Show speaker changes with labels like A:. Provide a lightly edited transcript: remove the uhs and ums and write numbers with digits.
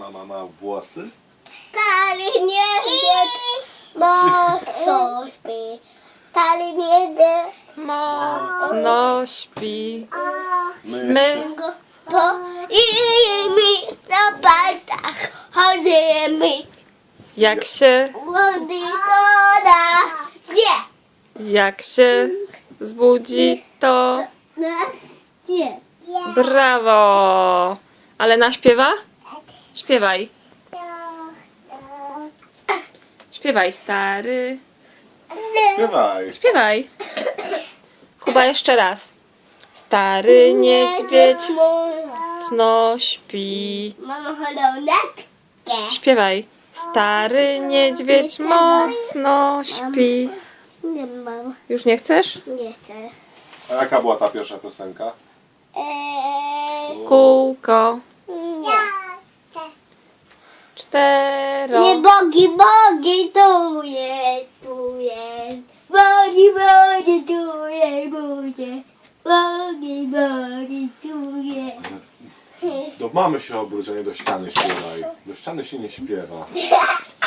A: Mama ma włosy?
B: Stary niedźwiedź mocno śpi. Stary niedźwiedź
C: Mocno śpi. My
B: go po mi na palcach chodzimy.
C: jak się
B: Młody to nas wie.
C: Jak się zbudzi, to
B: Nas wie.
C: brawo! Ale naśpiewa? Śpiewaj. Śpiewaj, stary.
A: Śpiewaj.
C: Śpiewaj. Kuba, jeszcze raz. Stary niedźwiedź mocno śpi.
B: Mama hodowlatkę.
C: Śpiewaj. Stary niedźwiedź mocno śpi.
B: Nie mam.
C: Już nie chcesz?
B: Nie chcę.
A: A jaka była ta pierwsza piosenka?
C: Kółko.
B: Nie.
C: Cztero.
B: Nie bogi, bogi, tu jest, tu jest. Bogi, bogi, tu jest, bogi. Bogi, bogi, tu jest.
A: Do mamy się obróć, a nie do ściany śpiewaj. Do ściany się nie śpiewa.